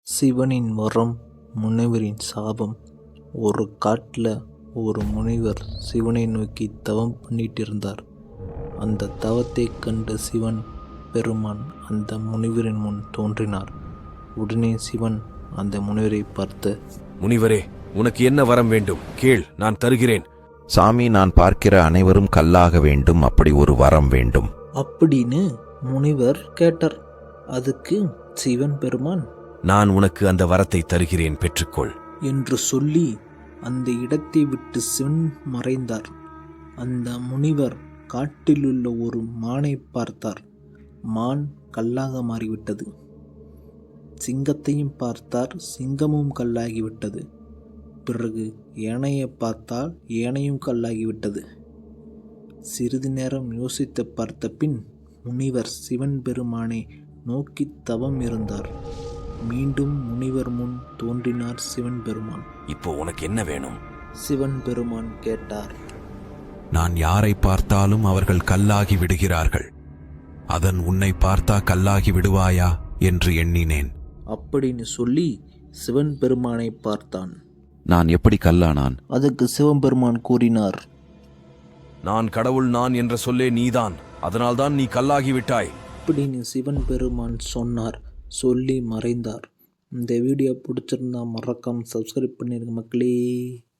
சிவனின் வரம், முனிவரின் சாபம். ஒரு காட்டில் ஒரு முனிவர் சிவனை நோக்கி தவம் பண்ணிட்டு இருந்தார். அந்த தவத்தை கண்ட சிவன் பெருமான் அந்த முனிவரின் முன் தோன்றினார். உடனே சிவன் அந்த முனிவரை பார்த்து, முனிவரே, உனக்கு என்ன வரம் வேண்டும்? கேள், நான் தருகிறேன். சாமி, நான் பார்க்கிற அனைவரும் கல்லாக வேண்டும், அப்படி ஒரு வரம் வேண்டும் அப்படின்னு முனிவர் கேட்டார். அதுக்கு சிவன் பெருமான், நான் உனக்கு அந்த வரத்தை தருகிறேன், பெற்றுக்கொள் என்று சொல்லி அந்த இடத்தை விட்டு சிவன் மறைந்தார். அந்த முனிவர் காட்டிலுள்ள ஒரு மானை பார்த்தார். மான் கல்லாக மாறிவிட்டது. சிங்கத்தையும் பார்த்தார். சிங்கமும் கல்லாகிவிட்டது. பிறகு யானையை பார்த்தால் யானையும் கல்லாகிவிட்டது. சிறிது நேரம் யோசித்து பார்த்த பின் முனிவர் சிவன் பெருமானை நோக்கி தவம் இருந்தார். மீண்டும் முனிவர் முன் தோன்றினார் சிவன் பெருமான். இப்போ உனக்கு என்ன வேணும்? சிவன் பெருமான் கேட்டார். நான் யாரை பார்த்தாலும் அவர்கள் கல்லாகி விடுகிறார்கள். அதன் உன்னை பார்த்தா கல்லாகி விடுவாயா என்று எண்ணினேன். அப்படின்னு சொல்லி சிவன் பெருமானை பார்த்தான். நான் எப்படி கல்லானான்? அதுக்கு சிவபெருமான் கூறினார், நான் கடவுள், நான் என்ற சொல்லே நீதான், அதனால்தான் நீ கல்லாகிவிட்டாய். அப்படின்னு சிவன் பெருமான் சொன்னார். சொல்லி மறைந்தார். இந்த வீடியோ பிடிச்சிருந்தா மறக்காம சப்ஸ்கிரைப் பண்ணிருங்க மக்களே.